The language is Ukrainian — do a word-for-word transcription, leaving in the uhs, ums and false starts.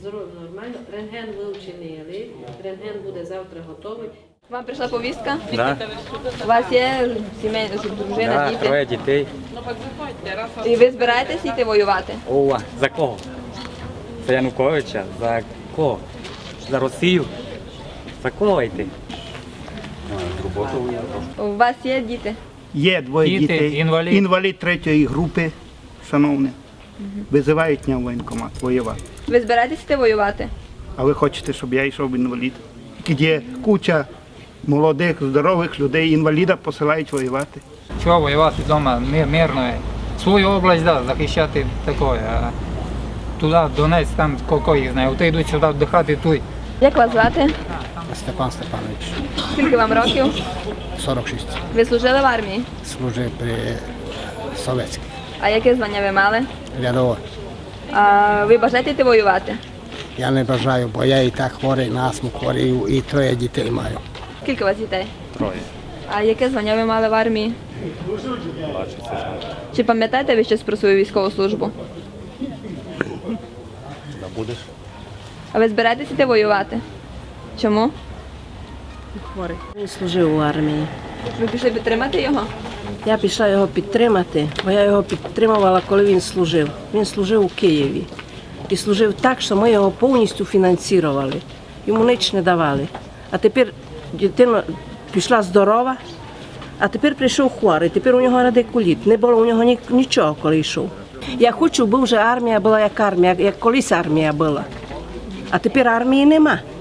Здоров'я нормально. Рентген ви вчинили. Рентген буде завтра готовий. Вам прийшла повістка? Да, У вас є сімейна дружина, да, діти? троє дітей. І ви збираєтесь йти воювати? Ова, за кого? За Януковича? За кого? За Росію? За кого йти? У вас є діти? Є двоє Діти, дітей. інвалід. Інвалід третьої групи, шановне. Визивають мене в воєнкомат воювати. Ви збираєтесь йти воювати? А ви хочете, щоб я йшов в інвалід? Є куча молодих, здорових людей, інваліда посилають воювати. Чого воювати вдома мир, мирно? Свою область, да, захищати такое. А туди, Донець, там кого їх знає. Оти йдуть сюди вдихати, тут. Як вас звати? Степан Степанович, Скільки вам років? сорок шість. Ви служили в армії? Служив при Совєтській. А яке звання ви мали? Рядовий. А ви бажаєте йти воювати? Я не бажаю, бо я і так хворий, на астму хворий, і троє дітей маю. Скільки у вас дітей? Троє. А яке звання ви мали в армії? Чи пам'ятаєте ви щось про свою військову службу? Будеш? А ви збираєтесь йти воювати? Чому? Хворий. Він служив у армії. Ви пішли підтримати його? Я пішла його підтримати, бо я його підтримувала, коли він служив. Він служив у Києві. І служив так, що ми його повністю фінансували. Йому ніч не давали. А тепер дитина пішла здорова, а тепер прийшов хворий. Тепер у нього радикуліт. Не було у нього ні- нічого, коли йшов. Я хочу, бо вже армія була як армія, як колись армія була. А тепер армії нема.